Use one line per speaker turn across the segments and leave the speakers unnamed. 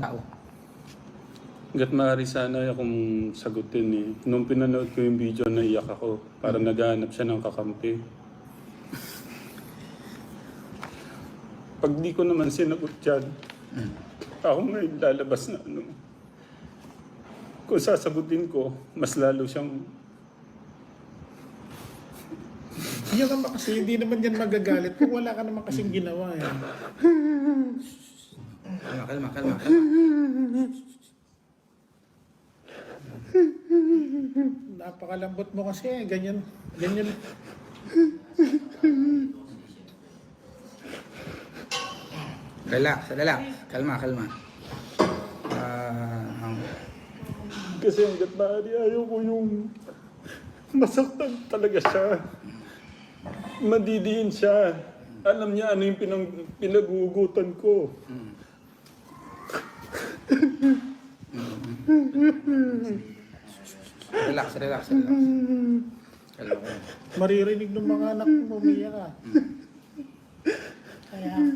tao.
Hanggat maaari sana akong sagutin eh. Nung pinanood ko yung video, naiyak ako. Para naghahanap siya ng kakampi. Pag di ko naman sinagot yan, ako ngayon lalabas na ano. Kung sasagutin ko, mas lalo siyang...
Yan naman kasi, hindi naman yan magagalit kung wala ka naman kasing ginawa eh.
Kalma.
Napakalambot mo kasi, ganyan.
Relax. Kalma.
Kasi hanggat maaari ayaw ko yung masaktan talaga siya. Madidiin siya. Alam niya ano yung pinagugutan ko.
Relax. Kalma.
Maririnig ng mga anak mo, umiyak ka. Kaya ako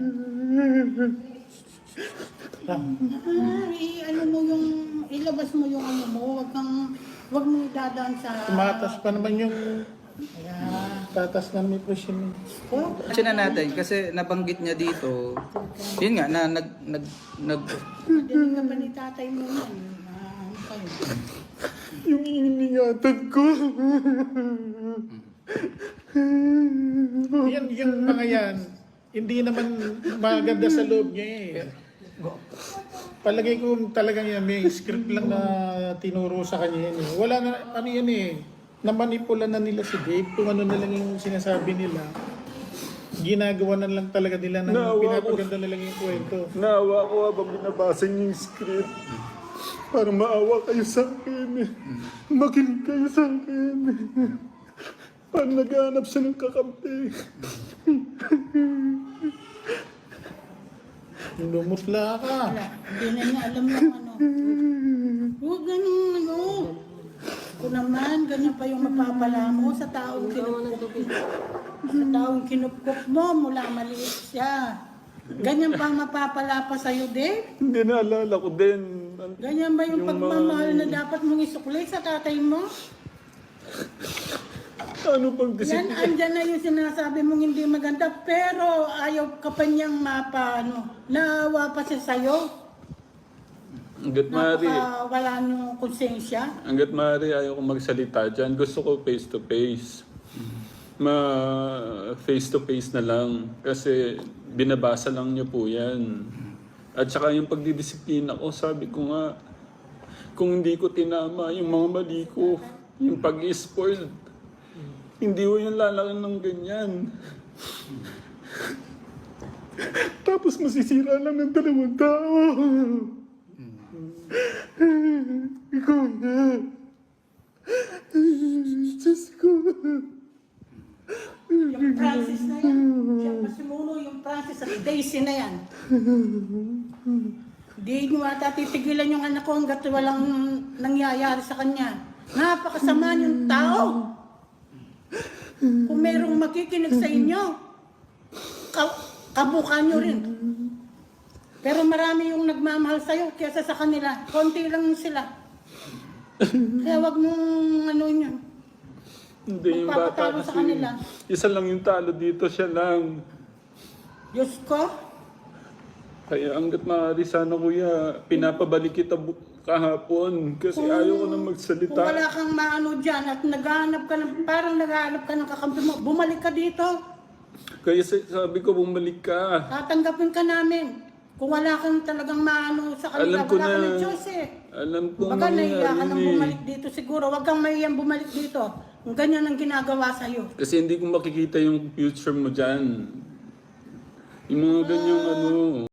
ano mo yung, ilabas mo yung ano mo, wag mo dadaan sa...
Tumatas pa naman yung... Tatas na may presyon.
Kasi na natin, kasi nabanggit niya dito, yun nga, na
Dinig ka pa ni tatay mo yan. Ano kayo?
Yung iningatan ko.
Yung mga yan, hindi naman maganda sa loob niya eh. Palagay ko talagang yan, may script lang na tinuro sa kanya yan eh. Wala na, ano yan eh, namanipula na nila si Dave kung ano na lang yung sinasabi nila. Ginagawa na lang talaga nila na pinapaganda na lang yung kwento.
Naawa ko habang binabasa niyo yung script. Para maawa kayo sa akin. Makinig kayo sa akin. Para naghahanap siya ng kakampi.
Lumutla ka.
Wala, hindi na niya alam yung ano. Huwag ganun ano. Kung naman, ganyan pa yung mapapala mo sa taong kinupkop. Sa taong kinupkop mo mula maliit siya. Ganyan pa mapapala pa sa'yo, Dave?
Hindi naalala ko din.
Ganyan ba yung pagmamahal na dapat mong isukli sa tatay mo?
Ano pang
Yan,
disiplina?
andyan na yung sinasabi mong hindi maganda, pero ayaw ka pa niyang naawa pa siya sa'yo.
Hanggat maaari.
Wala niyong konsensya.
Hanggat maaari ayaw ko magsalita dyan. Gusto ko face to face. Face to face na lang. Kasi binabasa lang niyo po yan. At saka yung pagdidisiplina ko, sabi ko nga, kung hindi ko tinama yung mga mali ko, yung pag-spoil, hindi ko yung lalaki ng ganyan. Tapos masisira lang ng dalawang tao. Ikaw na. Diyos ko.
Yung Francis na yan, siya pa simuno yung Francis at Daisy na yan. Hindi nyo ata titigilan yung anak ko hanggat walang nangyayari sa kanya. Napakasama yung tao. Kung merong makikinig sa inyo, kabukan nyo rin. Pero marami yung nagmamahal sa'yo kaysa sa kanila. Konti lang sila. Kaya wag mong ano yun.
Hindi yung bata
Magpapatalo sa
kasi.
kanila.
Isa lang yung talo dito, siya lang.
Diyos ko,
Kaya hanggat maaari sana kuya, pinapabalik kita kahapon kasi ayaw ko na magsalita.
kung wala kang maano dyan at naghahanap ka ng, parang naghahanap ka ng kakampi mo, bumalik ka dito.
Kaya sabi ko bumalik ka.
Tatanggapin ka namin. Kung wala kang talagang maano sa kanila,
Alam ko
wala ka
na.
ng choice eh.
Alam ko
Baka nahiya ka
nangyari
nang
eh.
bumalik dito siguro. Huwag kang mahiyang bumalik dito. Kung ganyan ang ginagawa sa'yo.
Kasi hindi ko makikita yung future mo dyan. Yung mga ganyang ano.